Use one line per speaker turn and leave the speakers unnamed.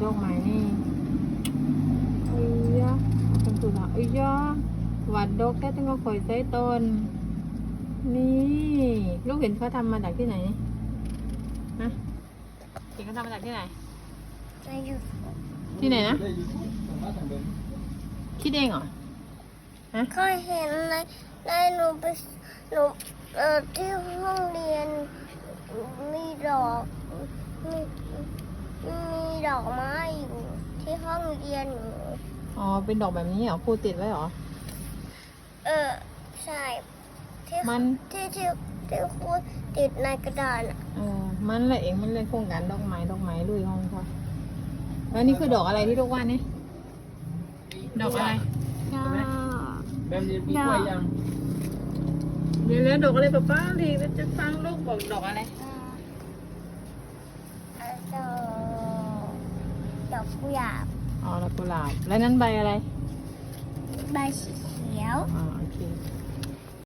ดอกไม้นี่เอ้ยะเป็นสุดละเอ้ยะหวัดดอกแค่ต้องเอาข่อยใส่ต้นนี่ลูกเห็นเขาทำมาจากที่ไหนฮะเห็นเขาทำมาจากที่ไหน
ในยูทูบ
ที่ไหนนะคิดเองเหรอฮะ
ก็เห็นในหนูไปหนูที่ห้องเรียนมีดอกมีดอกไม้อยู่ที่ห้องเรียนหนู
อ๋อเป็นดอกแบบนี้เหรอครูติดไว้เหรอ
ใช่ที่
มัน
ที่ครูติดในกระดานอ่ะ
มันแหละเองมันเล่นโครงการดอกไม้ลุยห้องเขาแล้วนี่คือดอกอะไรที่ลูกว่านี่ดอกอะไร
ดอก
แบบนี้มีกล้วยยัง
เดี๋ยวแล้วดอกอะไรป้าดีจะฟังลูกบอกดอกอะไร
ดอกกุหลาบ
อ๋อดอกกุหลาบแล้วนั้นใบอะไร
ใบสีเขียว
อ๋อโอเค